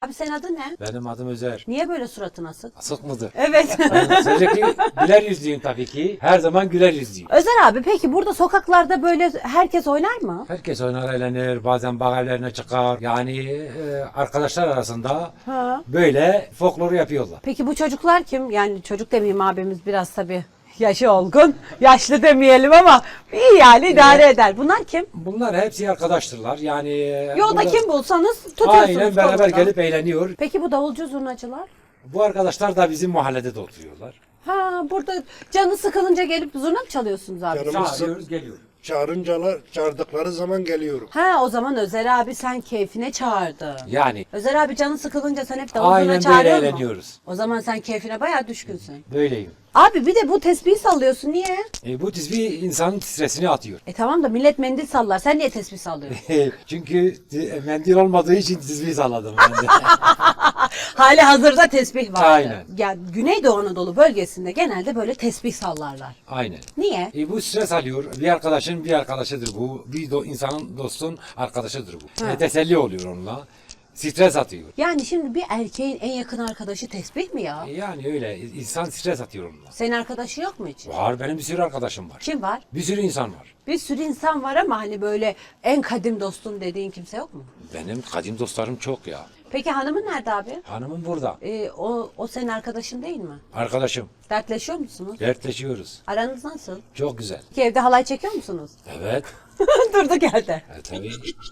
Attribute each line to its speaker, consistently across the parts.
Speaker 1: Abi senin adın ne?
Speaker 2: Benim adım Özer.
Speaker 1: Niye böyle suratın asık?
Speaker 2: Asık mıdır?
Speaker 1: Evet.
Speaker 2: Ben sürekli güler yüzlüyüm tabii ki. Her zaman güler yüzlüyüm.
Speaker 1: Özer abi peki burada sokaklarda böyle herkes oynar mı?
Speaker 2: Herkes oynar, eğlenir, bazen bağ evlerine çıkar. Yani arkadaşlar arasında
Speaker 1: Ha.
Speaker 2: böyle folkloru yapıyorlar.
Speaker 1: Peki bu çocuklar kim? Yani çocuk demeyeyim abimiz biraz tabii yaşı olgun. Yaşlı demeyelim ama iyi yani idare eder. Bunlar kim?
Speaker 2: Bunlar hepsi arkadaştırlar. Yani
Speaker 1: Yolda
Speaker 2: burada-
Speaker 1: kim bulsanız tutuyorsunuz
Speaker 2: Aynen beraber
Speaker 1: kolundan.
Speaker 2: gelip eğleniyor.
Speaker 1: Peki bu davulcu zurnacılar?
Speaker 2: Bu arkadaşlar da bizim mahallede de oturuyorlar.
Speaker 1: Ha burada canı sıkılınca gelip zurna mı çalıyorsunuz abi?
Speaker 3: Canımız
Speaker 2: Çağırıyoruz, geliyor.
Speaker 3: çağırdıkları zaman geliyorum.
Speaker 1: Ha o zaman Özer abi sen keyfine çağırdı.
Speaker 2: Yani
Speaker 1: Özer abi canı sıkılınca sen hep davul zurna
Speaker 2: aynen böyle
Speaker 1: çağırıyor musun?
Speaker 2: eğleniyoruz.
Speaker 1: O zaman sen keyfine bayağı düşkünsün.
Speaker 2: Böyleyim.
Speaker 1: Abi bir de bu tesbihi sallıyorsun niye?
Speaker 2: Bu tesbih insanın stresini atıyor.
Speaker 1: Tamam da millet mendil sallar. Sen niye tesbih sallıyorsun?
Speaker 2: Çünkü mendil olmadığı için tesbih salladım ben de.
Speaker 1: Hali hazırda tesbih vardı.
Speaker 2: Aynen.
Speaker 1: Ya Güneydoğu Anadolu bölgesinde genelde böyle tesbih sallarlar.
Speaker 2: Aynen.
Speaker 1: Niye?
Speaker 2: Bu stres alıyor. Bir arkadaşın bir arkadaşıdır bu. İnsanın dostun arkadaşıdır bu.
Speaker 1: Ha.
Speaker 2: Teselli oluyor onunla. Stres atıyor.
Speaker 1: Yani şimdi bir erkeğin en yakın arkadaşı tesbih mi ya?
Speaker 2: Yani öyle. İnsan stres atıyor onunla.
Speaker 1: Senin arkadaşı yok mu hiç?
Speaker 2: Var, benim bir sürü arkadaşım var.
Speaker 1: Kim var?
Speaker 2: Bir sürü insan var.
Speaker 1: Bir sürü insan var ama hani böyle en kadim dostum dediğin kimse yok mu?
Speaker 2: Benim kadim dostlarım çok ya.
Speaker 1: Peki hanımın nerede abi?
Speaker 2: Hanımım burada.
Speaker 1: O senin arkadaşın değil mi?
Speaker 2: Arkadaşım.
Speaker 1: Dertleşiyor musunuz?
Speaker 2: Dertleşiyoruz.
Speaker 1: Aranız nasıl?
Speaker 2: Çok güzel.
Speaker 1: Ki evde halay çekiyor musunuz?
Speaker 2: Evet.
Speaker 1: Durduk yerde.
Speaker 2: Tabii.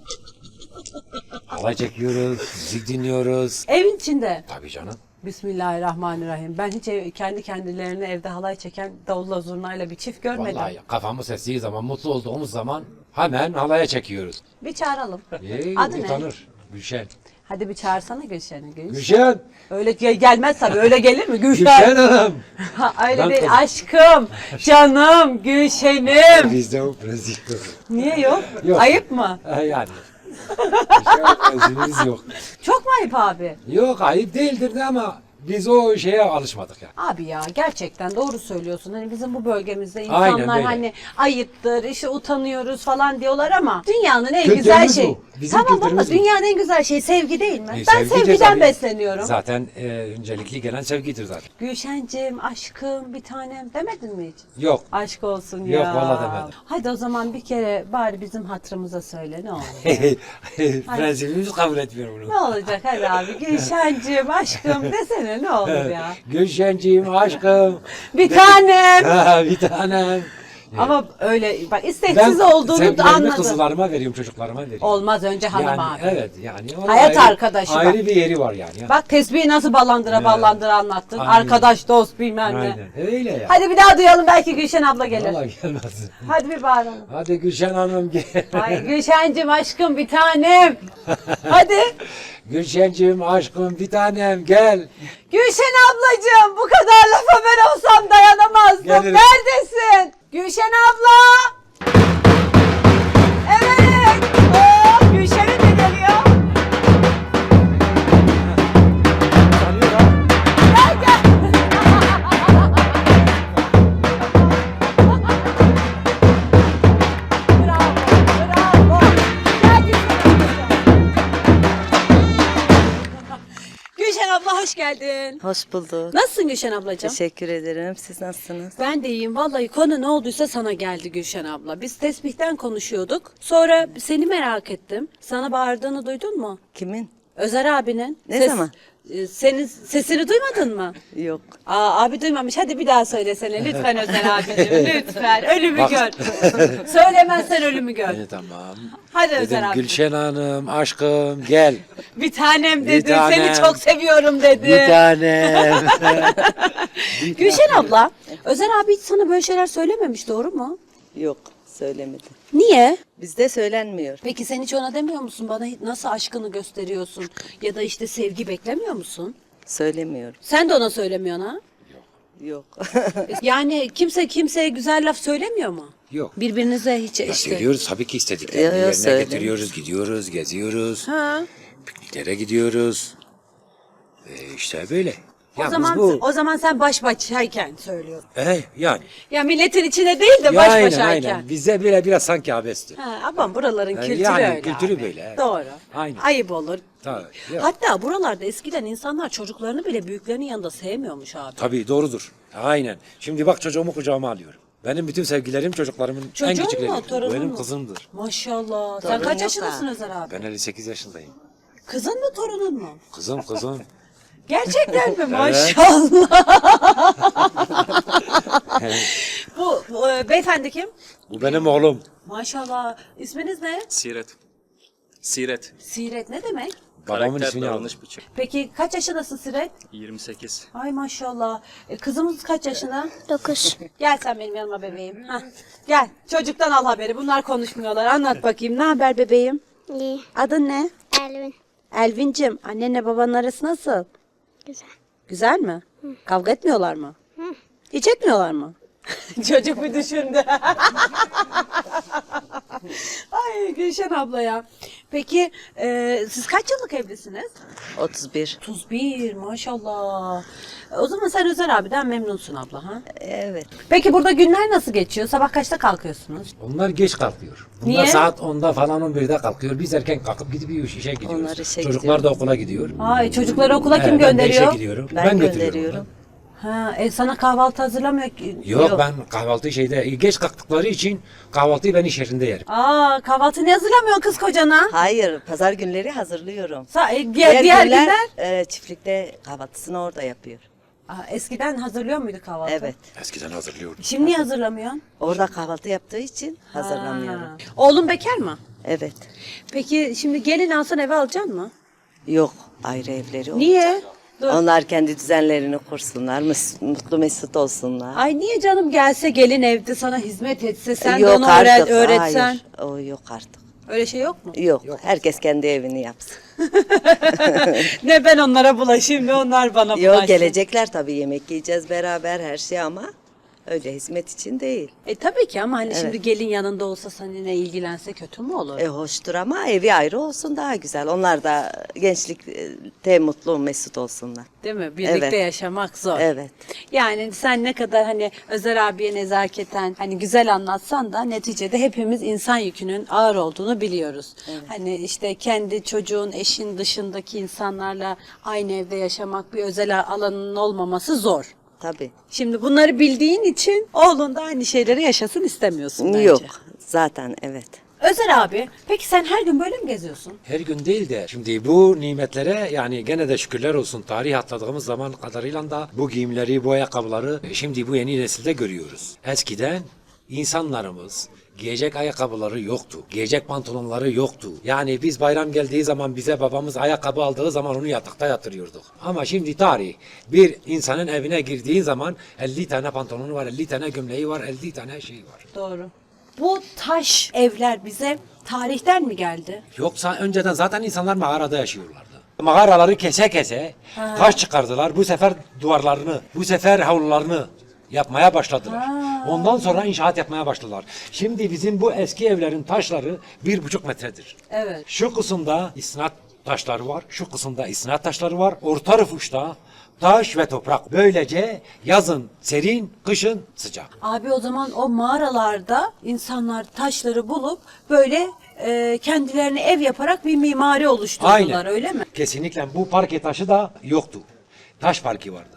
Speaker 2: Halay çekiyoruz, müzik dinliyoruz.
Speaker 1: Evin içinde.
Speaker 2: Tabii canım.
Speaker 1: Bismillahirrahmanirrahim. Ben hiç kendi kendilerine evde halay çeken davulla zurnayla bir çift görmedim.
Speaker 2: Vallahi kafamız estiği zaman, mutlu olduğumuz zaman hemen halaya çekiyoruz.
Speaker 1: Bir çağıralım.
Speaker 2: Adı
Speaker 1: Adı ne?
Speaker 2: utanır. Gülşen.
Speaker 1: Hadi bir çağırsana Gülşen'i.
Speaker 2: Gülşen!
Speaker 1: Öyle gelmez tabii. Öyle gelir mi?
Speaker 2: Gülşen Hanım!
Speaker 1: Ha, öyle
Speaker 2: Ben
Speaker 1: değil.
Speaker 2: kız-
Speaker 1: Aşkım, canım, Gülşen'im.
Speaker 2: Bizde o prezil.
Speaker 1: Niye yok?
Speaker 2: Yok.
Speaker 1: Ayıp mı?
Speaker 2: Yani. Gülşen prezilimiz yok.
Speaker 1: Çok mu ayıp abi?
Speaker 2: Yok, ayıp değildir de ama biz o şeye alışmadık yani.
Speaker 1: Abi ya gerçekten doğru söylüyorsun. Hani bizim bu bölgemizde
Speaker 2: Aynen
Speaker 1: insanlar
Speaker 2: böyle.
Speaker 1: hani ayıptır, işte utanıyoruz falan diyorlar ama dünyanın en
Speaker 2: Kültürümüz
Speaker 1: güzel şeyi.
Speaker 2: bu. Bizim
Speaker 1: Tamam ama
Speaker 2: kültürümüz bu.
Speaker 1: dünyanın en güzel şeyi sevgi değil mi? Ben
Speaker 2: Sevgidir
Speaker 1: sevgiden
Speaker 2: tabii.
Speaker 1: besleniyorum.
Speaker 2: Zaten öncelikli gelen sevgidir zaten.
Speaker 1: Gülşencim, aşkım, bir tanem demedin mi hiç?
Speaker 2: Yok.
Speaker 1: Aşk olsun ya.
Speaker 2: Yok, vallahi demedim.
Speaker 1: Hadi o zaman bir kere bari bizim hatırımıza söyle ne olur.
Speaker 2: Prensibimiz kabul etmiyor bunu.
Speaker 1: Ne olacak hadi abi. Gülşencim, aşkım desene ne olur ya.
Speaker 2: Gülşenciğim, aşkım.
Speaker 1: Bir tanem.
Speaker 2: Bir tanem.
Speaker 1: Ama öyle bak isteksiz olduğunu da
Speaker 2: sevgilerimi
Speaker 1: anladım.
Speaker 2: kızlarıma veriyorum, çocuklarıma veriyorum.
Speaker 1: Olmaz önce hanım
Speaker 2: yani,
Speaker 1: abi.
Speaker 2: Evet yani. onun
Speaker 1: Hayat arkadaşı bak.
Speaker 2: Ayrı bir yeri var yani.
Speaker 1: Bak tesbihi nasıl ballandıra anlattın.
Speaker 2: Aynen.
Speaker 1: Arkadaş, dost bilmem ne.
Speaker 2: Aynen. Öyle ya.
Speaker 1: Hadi bir daha duyalım belki Gülşen abla gelir.
Speaker 2: Vallahi gelmez.
Speaker 1: Hadi bir bağıralım.
Speaker 2: Hadi Gülşen Hanım gel.
Speaker 1: Ay Gülşencim aşkım bir tanem. Hadi.
Speaker 2: Gülşenciğim, aşkım, bir tanem gel.
Speaker 1: Gülşen ablacığım bu kadar lafa ben olsam dayanamazdım.
Speaker 2: Gelirim.
Speaker 1: Neredesin? Gülşen abla. Evet. Oh, Gülşen'in de geliyor. Gel gel. Bravo. Bravo. Gel Gülşen abla hoş geldin.
Speaker 4: Hoş bulduk.
Speaker 1: Nasılsın Gülşen ablacığım?
Speaker 4: Teşekkür ederim. Siz nasılsınız?
Speaker 1: Ben de iyiyim. Vallahi konu ne olduysa sana geldi Gülşen abla. Biz tesbihten konuşuyorduk. Sonra seni merak ettim. Sana bağırdığını duydun mu?
Speaker 4: Kimin?
Speaker 1: Özer abinin.
Speaker 4: Ne zaman?
Speaker 1: Senin sesini duymadın mı?
Speaker 4: Yok.
Speaker 1: Abi duymamış. Hadi bir daha söylesene. Lütfen Özer abicim. Lütfen. Ölümü
Speaker 2: Bak.
Speaker 1: gör. Söylemezsen ölümü gör.
Speaker 2: Tamam.
Speaker 1: Hadi Özer
Speaker 2: Dedim
Speaker 1: abi.
Speaker 2: Gülşen Hanım, aşkım gel.
Speaker 1: Bir tanem
Speaker 2: Bir
Speaker 1: dedi.
Speaker 2: tanem.
Speaker 1: Seni çok seviyorum dedi.
Speaker 2: Bir tanem.
Speaker 1: Gülşen abla, Özer abi hiç sana böyle şeyler söylememiş doğru mu?
Speaker 4: Yok. Söylemedim.
Speaker 1: Niye?
Speaker 4: Bizde söylenmiyor.
Speaker 1: Peki sen hiç ona demiyor musun? Bana nasıl aşkını gösteriyorsun? Ya da işte sevgi beklemiyor musun?
Speaker 4: Söylemiyorum.
Speaker 1: Sen de ona söylemiyorsun ha?
Speaker 4: Yok.
Speaker 1: Yani kimse kimseye güzel laf söylemiyor mu?
Speaker 2: Yok.
Speaker 1: Birbirinize hiç
Speaker 2: Ya
Speaker 1: işte.
Speaker 2: söylüyoruz tabii ki istediklerini
Speaker 4: Yok,
Speaker 2: yerine
Speaker 4: söyle.
Speaker 2: getiriyoruz, gidiyoruz, geziyoruz.
Speaker 1: Ha.
Speaker 2: Pikniklere gidiyoruz. İşte böyle.
Speaker 1: O
Speaker 2: Yalnız
Speaker 1: zaman
Speaker 2: bu
Speaker 1: o zaman sen baş başayken söylüyorsun.
Speaker 2: yani.
Speaker 1: Ya milletin içine değil de
Speaker 2: Ya
Speaker 1: baş
Speaker 2: aynen,
Speaker 1: başayken.
Speaker 2: aynen. Bizde böyle biraz sanki abesti.
Speaker 1: Ha, ama buraların kültürü
Speaker 2: yani
Speaker 1: öyle
Speaker 2: kültürü
Speaker 1: abi.
Speaker 2: böyle, evet.
Speaker 1: Doğru.
Speaker 2: Aynen.
Speaker 1: Ayıp olur.
Speaker 2: Tabii, ya.
Speaker 1: Hatta buralarda eskiden insanlar çocuklarını bile büyüklerinin yanında sevmiyormuş abi.
Speaker 2: Tabii doğrudur. Aynen. Şimdi bak çocuğumu kucağıma alıyorum. Benim bütün sevgilerim çocuklarımın en
Speaker 1: Çocuğun
Speaker 2: küçükleri.
Speaker 1: mu, torunun
Speaker 2: Benim
Speaker 1: mu?
Speaker 2: kızımdır.
Speaker 1: Maşallah. Sen
Speaker 4: Torun
Speaker 1: kaç
Speaker 4: yok
Speaker 1: yaşındasın
Speaker 4: da.
Speaker 1: Özer abi?
Speaker 2: Ben 58 yaşındayım.
Speaker 1: Kızın mı torunun mu?
Speaker 2: Kızım.
Speaker 1: Gerçekten mi? Maşallah. Beyefendi kim?
Speaker 2: Bu benim oğlum.
Speaker 1: Maşallah. İsminiz ne?
Speaker 5: Siret. Siret.
Speaker 1: Siret ne demek?
Speaker 2: Babamın
Speaker 5: Karakter,
Speaker 2: ismini aldım.
Speaker 5: davranış biçim.
Speaker 1: Peki kaç yaşındasın Siret?
Speaker 5: 28.
Speaker 1: Ay maşallah. Kızımız kaç yaşında?
Speaker 6: 9.
Speaker 1: Gel sen benim yanıma bebeğim. Hah. Gel. Çocuktan al haberi. Bunlar konuşmuyorlar. Anlat bakayım. Ne haber bebeğim?
Speaker 6: İyi.
Speaker 1: Adın ne?
Speaker 6: Elvin.
Speaker 1: Elvin'cim. Annenle babanın arası nasıl?
Speaker 6: Güzel.
Speaker 1: Güzel mi? Kavga etmiyorlar mı? Hiç etmiyorlar mı? Çocuk bir düşündü. Ay Gülşen abla ya. Peki siz kaç yıllık evlisiniz?
Speaker 4: 31.
Speaker 1: 31 maşallah. O zaman sen Özer abiden memnunsun abla ha?
Speaker 4: Evet.
Speaker 1: Peki burada günler nasıl geçiyor? Sabah kaçta kalkıyorsunuz?
Speaker 2: Onlar geç kalkıyor. Bunlar
Speaker 1: Niye?
Speaker 2: saat 10'da falan 11'de kalkıyor. Biz erken kalkıp gidip işe gidiyoruz.
Speaker 4: Onlar işe
Speaker 2: Çocuklar da okula gidiyor.
Speaker 1: Ay çocukları okula kim
Speaker 2: Ben de işe
Speaker 1: gönderiyor?
Speaker 2: gidiyorum.
Speaker 4: Ben
Speaker 2: götürüyorum
Speaker 4: gönderiyorum.
Speaker 1: Ha, sana kahvaltı hazırlamıyor ki.
Speaker 2: Yok, ben kahvaltı geç kalktıkları için kahvaltıyı ben iş yerinde yerim.
Speaker 1: Aa, kahvaltı ne hazırlamıyorsun kız kocana?
Speaker 4: Hayır, pazar günleri hazırlıyorum.
Speaker 1: Diğer günler?
Speaker 4: Çiftlikte kahvaltısını orada yapıyor.
Speaker 1: Aa, eskiden hazırlıyor muydu kahvaltı?
Speaker 4: Evet.
Speaker 2: Eskiden hazırlıyordum.
Speaker 1: Şimdi niye hazırlamıyorsun?
Speaker 4: Orada kahvaltı yaptığı için hazırlamıyorum.
Speaker 1: Ha. Oğlun bekar mı?
Speaker 4: Evet.
Speaker 1: Peki şimdi gelin alsan eve alacaksın mı?
Speaker 4: Yok, ayrı evleri olacak.
Speaker 1: Niye? Dur.
Speaker 4: Onlar kendi düzenlerini kursunlar, mutlu mesut olsunlar.
Speaker 1: Ay niye canım gelse gelin evde sana hizmet etse sen de
Speaker 4: Yok
Speaker 1: onu
Speaker 4: artık,
Speaker 1: öğretsen.
Speaker 4: hayır. O yok artık.
Speaker 1: Öyle şey yok mu?
Speaker 4: Yok, herkes kendi evini yapsın.
Speaker 1: Ne ben onlara bulaşayım ne onlar bana bulaşsın.
Speaker 4: Yok, gelecekler tabii, yemek yiyeceğiz beraber her şey ama öyle hizmet için değil.
Speaker 1: Tabii ki ama hani şimdi gelin yanında olsa seninle ilgilense kötü mü olur?
Speaker 4: Hoştur ama evi ayrı olsun daha güzel. Onlar da gençlikte mutlu mesut olsunlar.
Speaker 1: Değil mi? Birlikte
Speaker 4: Evet.
Speaker 1: yaşamak zor.
Speaker 4: Evet.
Speaker 1: Yani sen ne kadar hani Özer abiye nezaketen hani güzel anlatsan da neticede hepimiz insan yükünün ağır olduğunu biliyoruz. Hani işte kendi çocuğun, eşin dışındaki insanlarla aynı evde yaşamak, bir özel alanının olmaması zor.
Speaker 4: Tabii.
Speaker 1: Şimdi bunları bildiğin için oğlun da aynı şeyleri yaşasın istemiyorsun bence.
Speaker 4: Yok zaten evet.
Speaker 1: Özer abi, peki sen her gün böyle mi geziyorsun?
Speaker 2: Her gün değil de şimdi bu nimetlere yani gene de şükürler olsun, tarih atladığımız zaman kadarıyla da bu giyimleri, bu ayakkabıları şimdi bu yeni nesilde görüyoruz. Eskiden insanlarımız giyecek ayakkabıları yoktu. Giyecek pantolonları yoktu. Yani biz bayram geldiği zaman bize babamız ayakkabı aldığı zaman onu yatakta yatırıyorduk. Ama şimdi tarih bir insanın evine girdiğin zaman 50 tane pantolonu var, 50 tane gömleği var, 50 tane şey var.
Speaker 1: Doğru. Bu taş evler bize tarihten mi geldi?
Speaker 2: Yoksa önceden zaten insanlar mağarada yaşıyorlardı. Mağaraları kese kese taş çıkardılar. Bu sefer duvarlarını, bu sefer havlularını yapmaya başladılar. Ondan sonra inşaat yapmaya başladılar. Şimdi bizim bu eski evlerin taşları 1,5 metredir.
Speaker 1: Evet.
Speaker 2: Şu kısımda isnat taşları var, şu kısımda isnat taşları var. Orta rıfuşta taş ve toprak. Böylece yazın serin, kışın sıcak.
Speaker 1: Abi o zaman o mağaralarda insanlar taşları bulup böyle kendilerine ev yaparak bir mimari oluşturdular öyle mi?
Speaker 2: Kesinlikle bu parke taşı da yoktu. Taş parki vardı.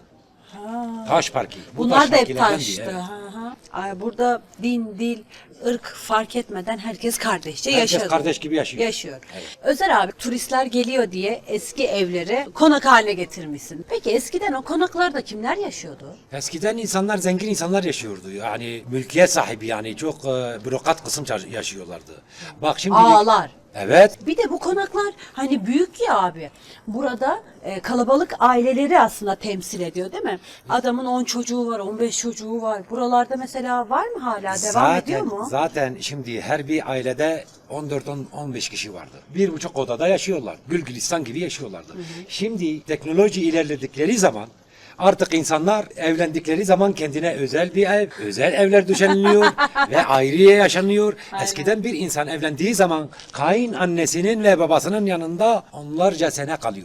Speaker 2: Taş parki. Bu
Speaker 1: Bunlar
Speaker 2: taş
Speaker 1: da hep
Speaker 2: parkilerden
Speaker 1: taştı.
Speaker 2: biri, evet.
Speaker 1: Ay, burada din, dil, ırk fark etmeden herkes kardeşçe
Speaker 2: Herkes
Speaker 1: yaşıyor.
Speaker 2: kardeş gibi yaşıyor.
Speaker 1: Yaşıyor. Özer abi turistler geliyor diye eski evleri konak haline getirmişsin. Peki eskiden o konaklarda kimler yaşıyordu?
Speaker 2: Eskiden insanlar zengin insanlar yaşıyordu. Yani mülkiyet sahibi yani çok bürokrat kısım yaşıyorlardı. Bak şimdi
Speaker 1: Ağalar.
Speaker 2: Evet.
Speaker 1: Bir de bu konaklar hani büyük ya abi. Burada kalabalık aileleri aslında temsil ediyor değil mi? Adamın 10 çocuğu var, 15 çocuğu var. Buralarda mesela var mı hala? Devam ediyor mu?
Speaker 2: Zaten şimdi her bir ailede 14-15 kişi vardı. 1,5 odada yaşıyorlar. Gülgülistan gibi yaşıyorlardı. Şimdi teknoloji ilerledikleri zaman artık insanlar evlendikleri zaman kendine özel bir ev, özel evler düzenliyor ve ayrıya yaşanıyor. Eskiden bir insan evlendiği zaman kayın annesinin ve babasının yanında onlarca sene kalıyordu.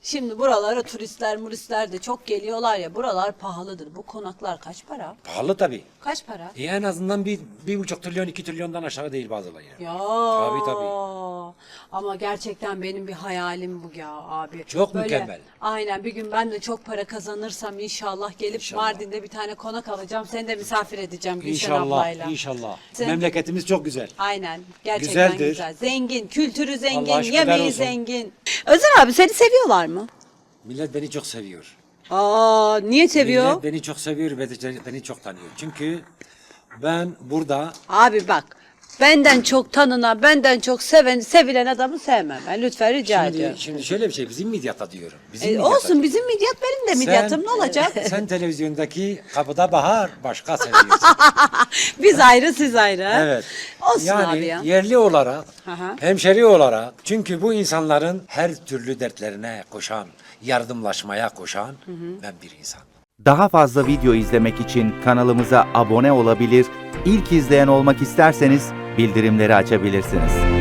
Speaker 1: Şimdi buralara turistler de çok geliyorlar ya. Buralar pahalıdır. Bu konaklar kaç para?
Speaker 2: Pahalı tabii.
Speaker 1: Kaç para?
Speaker 2: En azından 1,5 trilyon 2 trilyondan aşağı değil bazıları. Yani.
Speaker 1: Ya.
Speaker 2: Tabii.
Speaker 1: Ama gerçekten benim bir hayalim bu ya abi.
Speaker 2: Çok mükemmel.
Speaker 1: Aynen, bir gün ben de çok para kazanırsam inşallah gelip Mardin'de bir tane konak alacağım. Seni de misafir edeceğim Gülşen ablayla.
Speaker 2: İnşallah.
Speaker 1: Sen-
Speaker 2: Memleketimiz çok güzel.
Speaker 1: Aynen. Gerçekten
Speaker 2: Güzeldir.
Speaker 1: güzel. Zengin. Kültürü zengin.
Speaker 2: Allah'a şükürler
Speaker 1: Yemeği
Speaker 2: olsun.
Speaker 1: zengin. Özer abi seni seviyorlar mı?
Speaker 2: Millet beni çok seviyor.
Speaker 1: Aa, niye seviyor?
Speaker 2: Millet beni çok seviyor ve de beni çok tanıyor. Çünkü ben burada
Speaker 1: Abi bak. Benden çok tanınan, benden çok sevilen adamı sevmem. Ben lütfen rica ediyorum.
Speaker 2: şimdi şöyle bir şey, bizim midyata diyorum. Bizim midyata.
Speaker 1: Olsun, bizim midyat benim de midyatım, ne olacak?
Speaker 2: Sen televizyondaki kapıda bahar başka seviyorsun.
Speaker 1: Biz ayrı, siz ayrı. ha?
Speaker 2: Evet.
Speaker 1: Olsun
Speaker 2: yani
Speaker 1: abi ya.
Speaker 2: yerli olarak,
Speaker 1: Aha.
Speaker 2: hemşeri olarak, çünkü bu insanların her türlü dertlerine koşan, yardımlaşmaya koşan ben bir insan.
Speaker 6: Daha fazla video izlemek için kanalımıza abone olabilir, ilk izleyen olmak isterseniz bildirimleri açabilirsiniz.